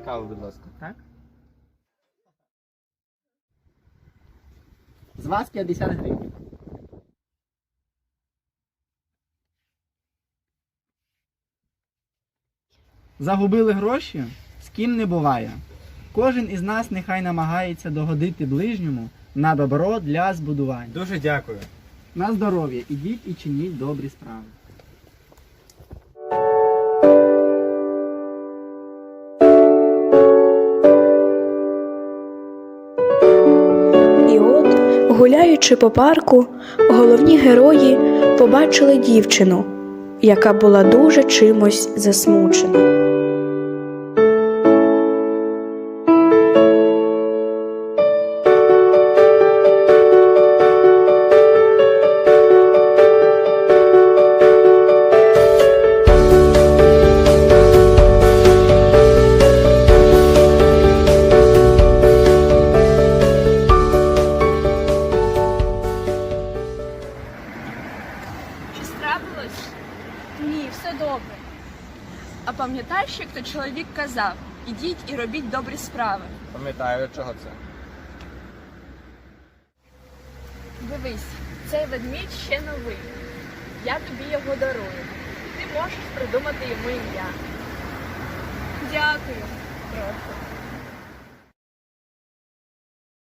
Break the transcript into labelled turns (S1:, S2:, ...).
S1: каву, будь ласка.
S2: Так? З вас 50 гривень. Загубили гроші? З ким не буває. Кожен із нас нехай намагається догодити ближньому на добро для збудування.
S1: Дуже дякую.
S2: На здоров'я, ідіть і чиніть добрі справи.
S3: І от, гуляючи по парку, головні герої побачили дівчину, яка була дуже чимось засмучена.
S4: Щось трапилось? Ні, все добре. А пам'ятаєш, як то чоловік казав: ідіть і робіть добрі справи.
S1: Пам'ятаю, чого це.
S4: Дивись, цей ведмідь ще новий. Я тобі його дарую. Ти можеш придумати йому ім'я. Дякую. Прошу.